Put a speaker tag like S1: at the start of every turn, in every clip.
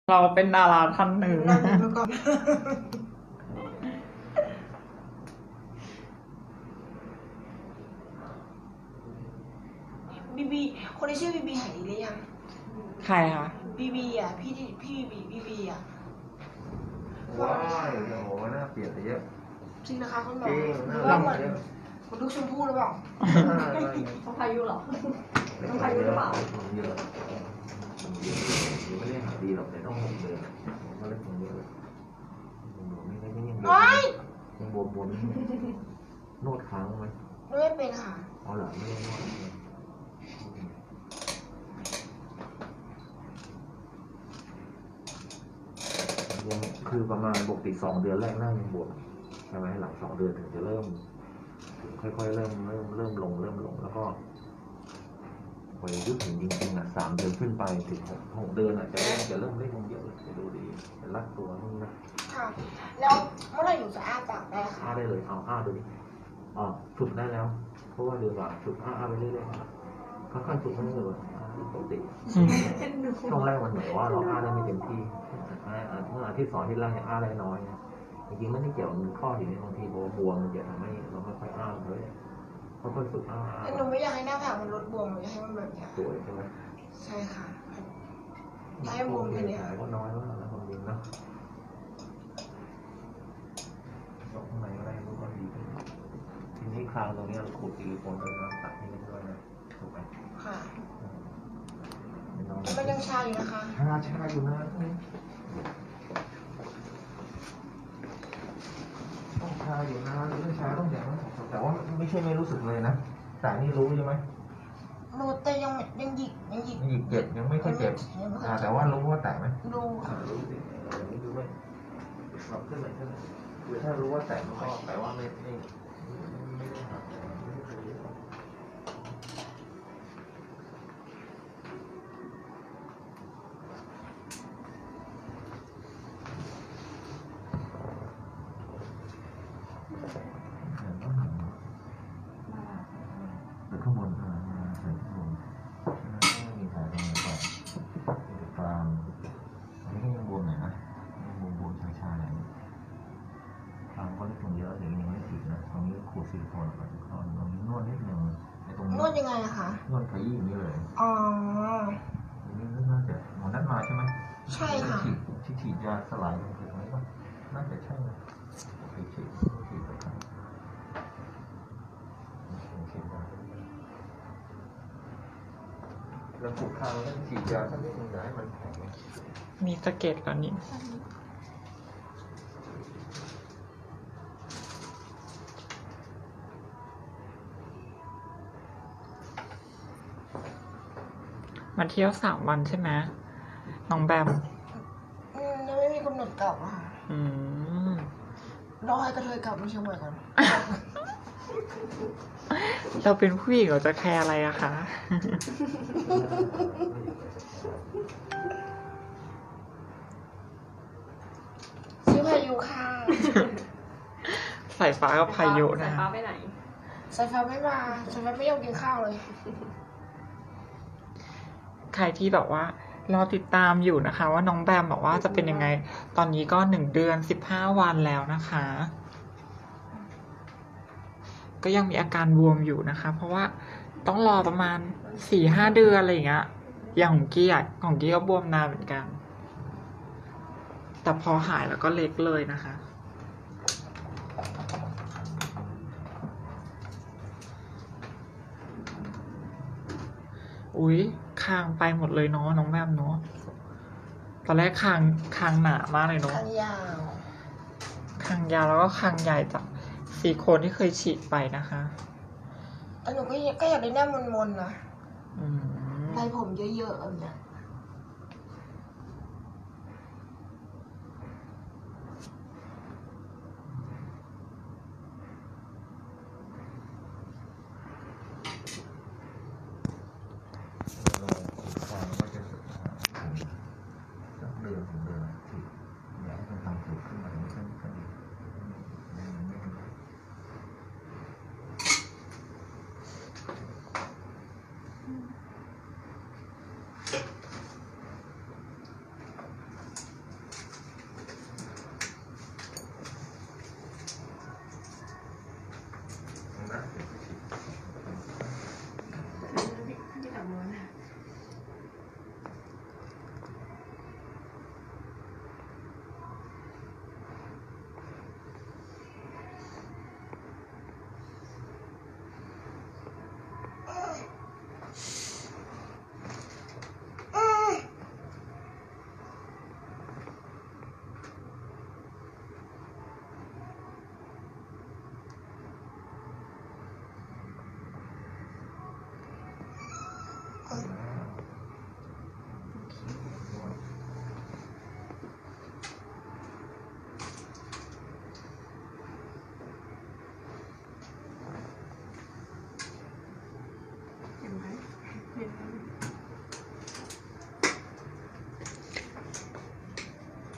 S1: เราเป็นดาราท่านหนึ่ง
S2: เราเป็นมาก่อนบีบีคนที่ชื่อบีบีหายดีหรือยัง
S1: ใครคะ
S2: บีบีอ่ะพี่บีบีอ่ะ
S3: ว้ายโอ้โหน่าเปลี่ยนไปเยอะ
S2: จริงนะคะคุณหมอ
S3: จริง
S2: หรือว่าเหมือนลูกชมพู่หรือเปล่า
S4: ต้องพายุเหรอ ต้องพายุหรือเปล่า
S3: เยอะไม่ได้หาดีหรอกแต่ต้องเดินผมก็เลยคงเยอะยังบว
S2: ว้าย
S3: ยังบวมนวดค้างไหม
S2: ไม่เป็นค่ะ
S3: อ๋อเหรอไม่ได้นวดยังคือประมาณปกติ2 เดือนแรกหน้ายังบวมใช่ไหมหลัง2 เดือนถึงจะเริ่มค่อยๆเริ่มลงแล้วก็พอยุดถึงจริงๆ3 เดือนขึ้นไปถึง6 เดือนจะเริ่มเล่นลงเยอะเลยจะดูดีจะรัดตัวนู่นนะ
S2: ค่ะ แล้วเมื่อไหร่หนูจะอ้าปากได้คะ
S3: อ้าได้เลยเอาอ้าดูดิอ๋อฝึกได้แล้ว เพราะว่าเดือนกว่าฝึกอ้าไปเรื่อยๆค่อยๆฝึกไม่ได้เลยปกติช่วงแรกมันเหมือนว่าเราอ้าได้ไม่เต็มที่เมื่ออาทิตย์2 อาทิตย์แรกยังอ้าได้น้อยนะจริงๆไม่ได้เกี่ยวกับข้อหินบางทีบวมมันจะทำให้เราไม่ค่อยอ้าเลยค่อยๆฝึกอ้า
S2: แต่หนูไม่อยากให้หน้าผากมันลดบวมหนูอยากให้มันแบบเนี้ย
S3: สวยใช่ไหม
S2: ใช่ค่ะให้บวมแค่เนี้ย
S3: ก็น้อยมากแล้วความจริงนะตรงข้างในก็ได้รู้ก็ดีขึ้นทีนี้คราวตรงนี้เราขูดซิลิโคนด้วยนะตัดให้มันด้วยนะถูกไหม
S2: ค่ะแต่มันยังชาอยู่นะคะ
S3: ชาอยู่นะต้องชาอยู่นะเรื่องชาต้องอย่างนั้นแต่ว่าไม่ใช่ไม่รู้สึกเลยนะแต่นี่รู้ใช่ไหม
S2: หนูแต่ยังหยิก
S3: ไม่หยิบเจ็บยังไม่ค่อยเจ็บแต่ว่ารู้ว่าแตกไหม
S2: ดู
S3: รู้สิอย่างนี้ดูไหมปรับขึ้นไหนคือถ้ารู้ว่าแตกมันก็แปลว่าไม่ได้หักไม่ได้เคยแต่ข้างบนใส่ข้างบนไม่มีแผลตรงไหนก่อนมีกลางอันนี้ก็ยังบวมหน่อยนะยังบวมชาๆหน่อยกลางก็เล็กลงเยอะเดี๋ยวยังไม่ติดนะตรงนี้ขูดซิลิโคนก่อนตรงนี้นวดนิดนึงในตรงนี้
S2: นวดยังไงอะคะ
S3: นวดขยี้อย่างนี้เลย
S2: อ๋อ
S3: อันนี้น่าจะหมอนัดมาใช่ไหม
S2: ใช่ค่ะ
S3: ที่ฉีดยาสลายลงไปตรงนี้ป่ะน่าจะใช่นะฉีดไปครับแล้วผูกคางแล้วฉีดยาสักนิดนึงอย่าให้มันแข็ง
S1: มีสะเก็ดแล้วนี่มาเที่ยว3 วันใช่ไหมน้องแบม
S2: ยังไม่มีกำหนดกลับอะค่ะ
S1: อืม
S2: รอให้กระเทยกลับมาเชียงใหม่ก่อน
S1: เราเป็นผู้หญิงเราจะแคร์อะไรอะคะ
S2: ชื่อพายุค่ะ
S1: สายฟ้ากับพายุนะ
S4: สายฟ้าไปไหน
S2: สายฟ้าไม่มาสายฟ้าไม่ยอมกินข้าวเลย
S1: ใครที่แบบว่ารอติดตามอยู่นะคะ ว่าน้องแบมบอกว่าจะเป็นยังไง ตอนนี้ก็1 เดือน 15 วันแล้วนะคะ ก็ยังมีอาการบวมอยู่นะคะ เพราะว่าต้องรอประมาณ 4-5 เดือนอะไรอย่างเงี้ย อย่างของกี้อ่ะของกี้ก็บวมนานเหมือนกัน แต่พอหายแล้วก็เล็กเลยนะคะ อุ๊ยคางไปหมดเลยเนาะน้องแบมเนาะ ตอนแรกคางหนามากเลยเนาะ
S2: ทางยาว
S1: คางยาวแล้วก็คางใหญ่จากซิลิโคนที่เคยฉีดไปนะคะ
S2: แต่หนูก็อยากได้หน้ามนๆนะ
S1: อืม
S2: ลายผมเยอะๆแบบเนี้ย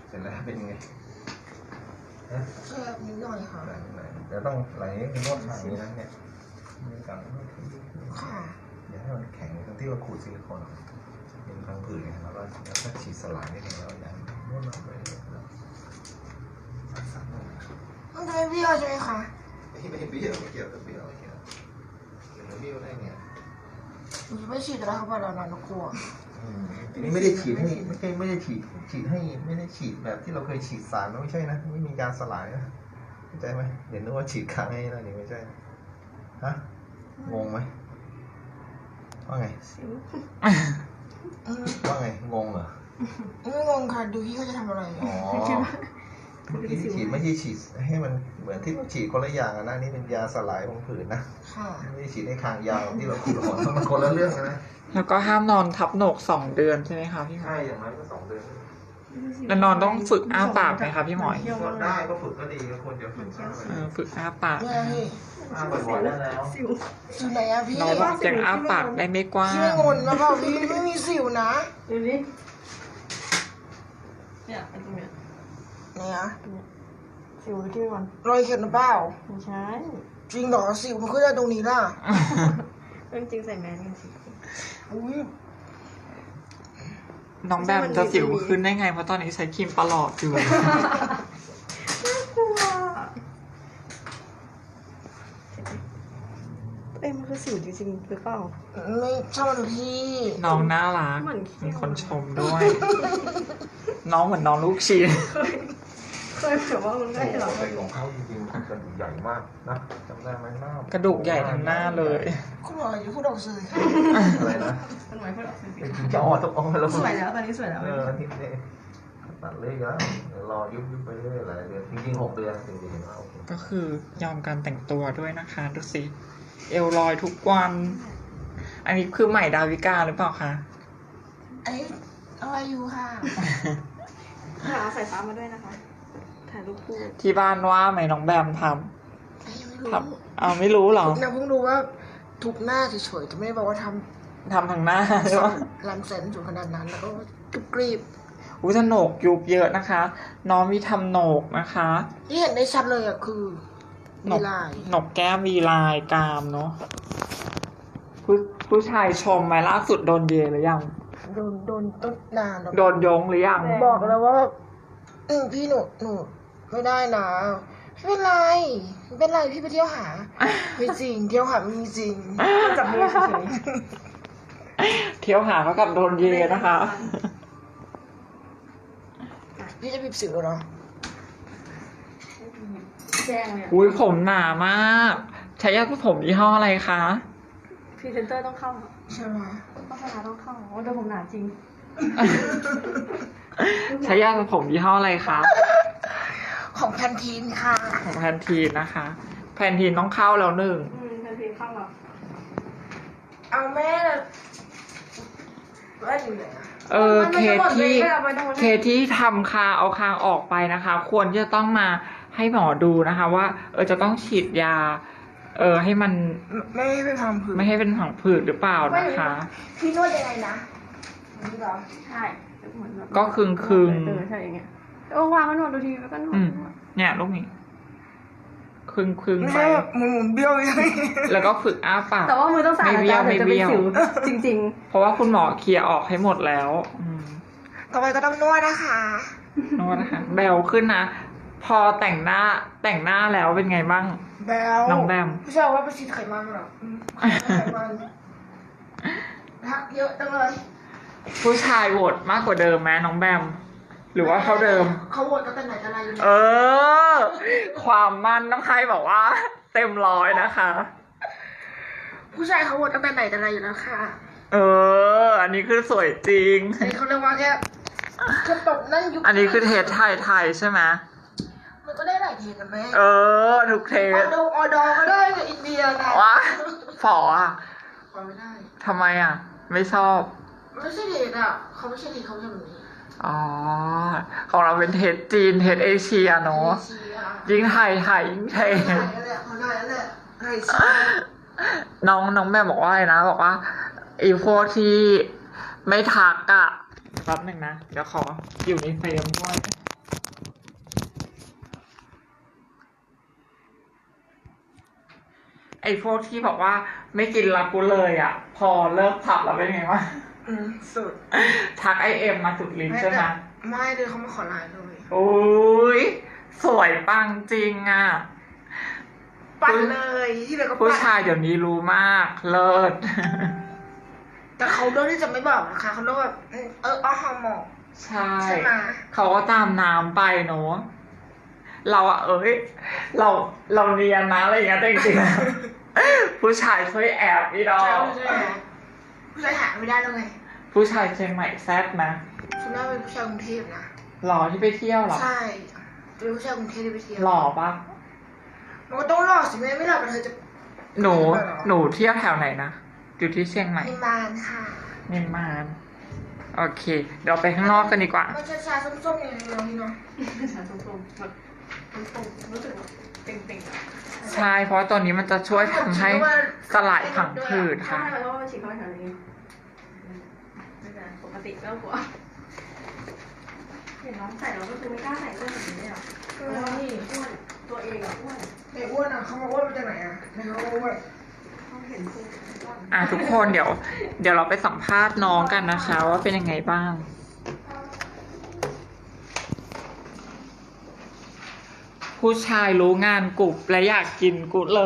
S3: เสร็จแล้วเป็นยังไง
S2: แค่นิดหน่อยค่ะ
S3: เดี๋ยวต้องไหลนวดทางนี้นะเนี่ยมีการนวด
S2: ค่ะ
S3: อย่าให้มันแข็งตรงที่ว่าขูดซิลิโคนเป็นพังผืดไงแล้วก็ฉีดสลายนิดนึงแล้วอย่างนวดมาไปแล้วสักหน่อย
S2: มันจะไม่เบี้ยวใช่ไหมคะ
S3: ไม่เบี้ยวไม่เกี่ยวกับเบี้ยวไม่เกี่ยวเบี้ยวได้ไง
S2: หนูจะไม่ฉีดแล้วค่ะเพราะเรานอนกลัว
S3: อันนี้ไม่ได้ฉีดให้ไม่ได้ฉีดให้ไม่ได้ฉีดแบบที่เราเคยฉีดสารไม่ใช่นะไม่มีการสลายนะเข้าใจไหมเดี๋ยวนึกว่าฉีดค้างให้นะนี่ไม่ใช่ฮะงงไหมว่าไง ว่าไงงงเหรอ
S2: ไม่งงค่ะดูพี่เขาจะทำอะไร
S3: อ๋อเมื่อกี้ที่ฉีดไม่ใช่ฉีดให้มันเหมือนที่เราฉีดคนละอย่างนะนี่เป็นยาสลายของผืนนะ
S2: ค่ะ
S3: ไม่ได้ฉีดให้คางยาวที่เราฉีดหอนมันคนละเรื่องนะ
S1: แล้วก็ห้ามนอนทับโหนก2 เดือนใช่ไหมคะพี่หม
S3: ใช่
S1: อ
S3: อย่างน้อยก็2 เดือน
S1: แล้วนอนต้องฝึกอ้าปากไหมคะพี่หมอย
S3: ก็ได้ก็ฝึกก็ดีก็ควรจะฝึก
S1: ฝึกอ้าปาก
S2: เนี่ยพี่
S3: บ่อยๆได้แล้ว
S2: สิวไหนอะพี่
S1: น้องบอกยังอ้าปากได้ไม่กว้า
S2: พี่ไม่
S1: ง
S2: งนแล้วเปล่าพี่ไม่มีสิวนะ
S4: ดูดิเนี่ยไอ้ตรงเนี้ย
S2: ไหนอะ
S4: สิวที่มัน
S2: รอยเข็มหรือเปล่า
S4: ไม่ใช่
S2: จริงเหรอสิวมันขึ้นได้ตรงนี้ล่ะ
S4: เรื่องจริงใส่แมสกันสิ
S2: อุ้ย
S1: น้องแบมจะสิวขึ้นได้ไงเพราะตอนนี้ใช้ครีมประหลอดอยู่
S4: น่ากลัวมันคือสิวจริงๆหรือเปล่า
S2: ไม่ชอบมันพี่
S1: น้องน่ารัก
S4: เหมือนเขี้ยว
S1: มีคนชมด้วย น้องเหมือนน้องลูกชิ้น
S4: เคยแบบว่ามันได้เหรอ
S3: ใส่ของเขาจริงๆกระดูกใหญ่มากนะจำได้ไหมหน้าก
S1: ระดูกใหญ่ทั้งหน้าเลย
S2: คุณหมออย่าพูดออกสื่อค่ะ
S3: อะไรนะ
S4: มันหมายความว่า
S3: จะอ่อนต้องอ่อนแล้ว
S4: สวยแล้วตอนนี้สวยแล้ว
S3: ที่นี่ตัดเลยแล้วเดี๋ยวรอยุบไปเรื่อยหลายเดือนจริงๆ6 เดือนถึงจะเห็นว่าโอเค
S1: ก็คือยอมการแต่งตัวด้วยนะคะดูสิเอวลอยทุกวัน อันนี้คือใหม่ดาวิกาหรือเปล่าคะ
S2: ไอ้อะไรอยู่ค่ะ
S4: หาสายฟ้ามาด้วยนะคะ ถ่ายรูปคู่
S1: ที่บ้านว่าไหมน้องแบมท
S2: ไอ้ยังไม่รู้
S1: ำทำเอาไม่รู้เหรอ
S2: นะเพิ่งรู้ว่าทุกหน้าเฉยๆจะไม่ได้บอกว่าท
S1: ทำทางหน้าใช่ไหม
S2: ำลำเซนสูงขนาดนั้นแล้วก็กรีบ
S1: อุ้ยแต่โหนกยุบเยอะนะคะ น้องมีทำโหนกนะคะ
S2: ที่เห็นได้ชัดเลยอะคือ
S1: หน
S2: มี
S1: ก
S2: ลาย
S1: หนกแก้มมีลายกรามเนาะผู้ชายชมไหมล่าสุดโดนเยหรือยัง
S2: โดนต้นนานแล้ว
S1: โดนยงหรือยัง
S2: บอกแล้วว่าพี่หนูไม่ได้นะไม่เป็นไรไม่เป็นไรพี่ไปเที่ยวหาไม่จริงเที่ยวหาไม่มีจริง
S4: จับมือเฉย
S1: เที่ยวหาเขากับโดนเยนะคะ
S2: พี่จะบีบสิวเหรอ
S4: ๆแจ้งเลย
S1: อุ้ยผมหนามากใช้ยาสระผมยี่ห้ออะไรคะ
S4: พรีเซนเตอร์ต้องเข้า
S2: ใช่ไหม
S4: โฆษณาต้องเข้าโอ้แต่ผมหนาจริง
S1: ใช้ยาสระผมยี่ห้ออะไรคะ
S2: ของแพนทีนค่ะ
S1: ของแพนทีนนะคะ แพนทีนต้องเข้าแล้ว1
S4: ทันทีเข้าแล้ว
S2: เอาแม่ว่าอยู่ไหนอะ
S1: เคที่ทำคางเอาคางออกไปนะคะ ควรที่จะต้องมาให้หมอดูนะคะ ว่าจะต้องฉีดยา ให้มัน
S2: ไม่ให้ไปทำผืน
S1: ไม่ให้เป็นผังผืดหรือเปล่านะคะ
S2: พี่นวดยังไงนะนี่เหรอ
S4: ใช่เหมือนแบบ
S1: ก็ครึ่งๆ
S4: ใช่อย่างเงี้ยวางมันหนวดดูทีแล้วก็หนวด
S1: เนี่ยลูกนี้ครึ่ง
S2: ไม่
S1: ไป
S2: ใช่แบบหมุนเบี้ยวยังไง
S1: แล้วก็ฝึกอ้าปาก
S4: แต่ว่ามือต้องสะอาด
S1: ไม่เบี้ยว
S4: นะจ๊ะ
S1: ไม่
S4: เดี๋ยวจะ
S1: เบี้
S4: เป็น
S1: ยว
S4: สิวจริง
S1: เพราะว่าคุณหมอเคลียร์ออกให้หมดแล้ว
S2: ต่อไปก็ต้องนวดนะคะ
S1: นวดนะคะแบลขึ้นนะ พอแต่งหน้าแล้วเป็นไงบ้าง
S2: แบล
S1: น้องแบม
S2: ไม่ใช่ว่าไปฉีดไขมันหรอไขมันทักเยอะจังเลย
S1: ผู้ชายโหวตมากกว่าเดิมไหมน้องแบม หรือว่าเท่าเดิม
S2: เขาโหวตตั้งแต่ไหนแต่ไรอยู่
S1: เออ ความมันน้องใครบอกว่า เต็ม100นะคะ
S2: ผู้ชายเขาโหวตตั้งแต่ไหนแต่ไรอยู่แล้วค่ะ
S1: อันนี้คือสวยจริง
S2: อันนี้เขาเรียกว่าแค่ตกนั่นยุค
S1: อันนี้คือเทสไทยใช่ไหม
S2: มันก็ได้หลายเทสนะแม่
S1: ทุกเท
S2: อ
S1: ส
S2: อดอก็ได้กับอินเดียนะ
S1: ว้าฝออ่ะ
S2: ขอไม่ได้
S1: ทำไมอ่ะ ไม่ชอบ
S2: ไม่ใช่เทสอ่ะเขาไม่ใช่เทสเขาทำแบบนี้
S1: อ๋อ ของเราเป็นเทสจีน เทสเอเชียเนาะ
S2: เชีย
S1: ยิ่งไทยยิ่งเท
S2: ไท
S1: ส
S2: ยนั่นแหละเขาได้นั่นแหละไทยเชีย
S1: น้องแม่บอกว่าอะไรนะ บอกว่าไอ้พวกที่ไม่ทักอะแป๊บหนึ่งนะ เดี๋ยวขออยู่ในเฟรมด้วยอ้พวกที่บอกว่าไม่กินละกูเลยอ่ะ พอเลิกผับแล้วเป็นไงวะ
S2: สุด
S1: ทักไอเอ็มมาสุดลิ้นใช่ไหม
S2: ไม่เลยเขามาขอไลน์เลย
S1: โอ้ยสวยปังจริงอ่ะ
S2: ปั่นเลยที่เหลือก็
S1: ผู้
S2: ปั่น
S1: ชายเดี๋ยวนี้รู้มากเลิศ
S2: แต่เขาเลือกที่จะไม่บอกนะคะเขาเลือกแบบอ้อฮอร์โมน
S1: ใช่
S2: ใช่ไหม
S1: เขาก็ตามน้ำไปเนอะเราอะเราเรียนนะอะไรอย่างเงี้ยแต่จริงๆแล้วผู้ชายช่วยแอบพี่ดอ
S2: ใช่
S1: ก
S2: ผู้ชายหาไม่ได้เลยไง
S1: ผู้ชายเชียงใหม่แซ่บนะ
S2: คุณน่าเป็นผู้ชายกรุงเทพนะ
S1: หล่อที่ไปเที่ยวเหรอ
S2: ใช่เป็นผู้ชายกรุงเทพที่ไปเที่ยว
S1: หล่อปะ
S2: มันก็ต้องหล่อสิไม่หล่อกันเธอจะ
S1: หนูเที่ยวแถวไหนนะอยู่ที่เชียงใหม่
S2: นิมานค่ะ
S1: นิมมานโอเค เดี๋ยวไปข้างนอกกันดีกว่า
S2: มันชาๆส้มๆอย่างนี้เนาะ
S4: ฉันตรงๆแบบตรงๆรู้สึกว่าเต็งๆอะ
S1: ใช่เพราะว่าตัวนี้มันจะช่วยทำให้สลายผังผืด
S4: ใช่
S1: ค่ะ
S4: เพราะว่ามันฉีดเข้าไปแถวนี้ไม่เป็นไรปกติไม่ต้องกลัวเห็นน้องใส่เราก็คือไม่กล้าใส่เสื้อแบบนี้เลยอ่ะแล้วนี่อ้วนตัวเองอ่ะอ้วน
S2: ในอ้วนอ่ะเขามาอ้วนมาจากไหนอ่ะในเขาอ้วน
S4: เขาเห็นตัวอ้วน
S1: ทุกคนเดี๋ยวเราไปสัมภาษณ์น้องกันนะคะ ว่าเป็นยังไงบ้าง ผู้ชายรู้งานกรุบและอยากกินกุเลย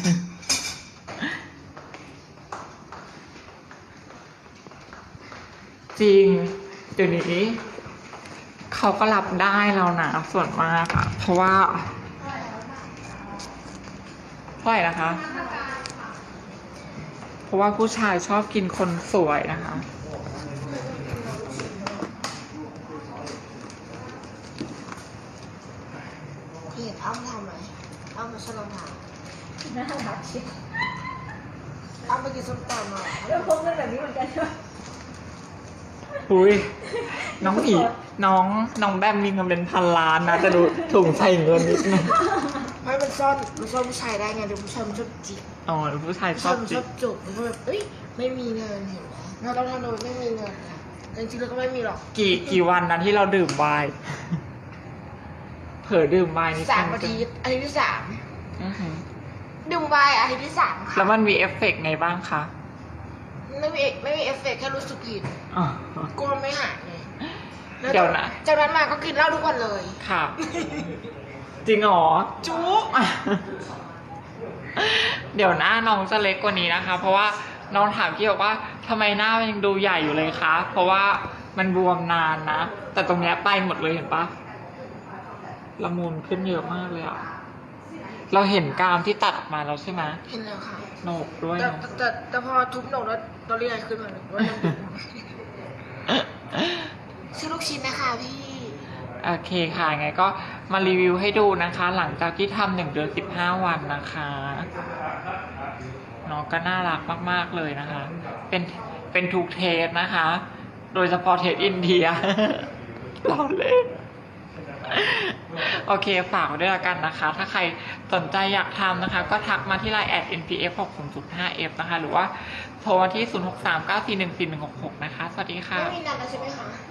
S1: จริงเดี๋ยวนี้เขาก็รับได้แล้วนะส่วนมากอะเพราะว่าเท่าไหร่นะคะ เพราะว่าผู้ชายชอบกินคนสวยนะคะ
S2: พี่เห็นอ้ำทำไหมอ้ำมาชลองถาม
S4: น่ารักชิบ
S2: อ้ำไปกินส้มตำมา
S4: แล้วพกเงินแบบนี้เหมือนกันใช่ไหม
S1: อุ้ยน้องผีน้องแบมมีเงินเป็นพันล้านนะแต่ดูถุงใส่เงินนิดนึง
S2: ไม่มันซ่อนผู้ชายได้ไงเดี๋ยวผู้ชายมันชอบจิก
S1: อ๋อผู้ชาย
S2: ผู้
S1: ช
S2: ชา
S1: อย บ
S2: มัน
S1: จิ
S2: ชอบจุกมันก็แบบเอ้ยไม่มีเงินเห็นไหมเราต้องทำโดยไม่มีเงินค่ะแต่จริงๆแล้วก็ไม่มีหรอก
S1: กี่วันนะที่เราดื่มไวน์เผลอดื่มไวน์นี่
S2: 3 อาทิตย์อาทิตย์ที่
S1: อื้อหือ
S2: 3ดื่มไวน์อาทิตย์ที่ 3ค่ะ
S1: แล้วมันมีเอฟเฟกต์ไงบ้างคะ
S2: ไม่มีเอฟเฟกต์แค่รู้สึกผิด
S1: อ๋อ
S2: กลัวไม่หายไงแล้
S1: เดี๋ยวนะ
S2: จากนั้นมาก็กินเหล้าทุกวันเลย
S1: ค่ะ จริงเหรอ
S2: จุ๊บ
S1: เดี๋ยวหน้าน้องจะเล็กกว่านี้นะคะ เพราะว่าน้องถามพี่บอกว่าทำไมหน้ามันยังดูใหญ่อยู่เลยคะ เพราะว่ามันบวมนานนะ แต่ตรงเนี้ยไปหมดเลยเห็นปะละมุนขึ้นเยอะมากเลยอะเราเห็นกรามที่ตัดออกมาแล้วใช่ไหม
S2: เห็นแล้วค่ะ
S1: โหนกด้วย
S2: แต่
S1: เนาะ
S2: แต่พอทุบหนกแล้วตัวเรียกขึ้นมาเลยว่ามันดุชื่อลูกชิ้นนะคะพี่
S1: โอเคค่ะไงก็มารีวิวให้ดูนะคะ หลังจากที่ทำ1 เดือน 15 วันนะคะน้องก็น่ารักมากๆเลยนะคะ เป็นทุกเทสนะคะ โดยเฉพาะเทสอินเดีย รอเล่นโอเคฝากไว้ด้วยละกันนะคะ ถ้าใครสนใจอยากทำนะคะ ก็ทักมาที่ line @npf60.5f นะคะ หรือว่าโทรมาที่ 0639414166 นะคะ สวัสดีค่ะ
S2: ไม่มีนัดแล้วใช่ไหมคะ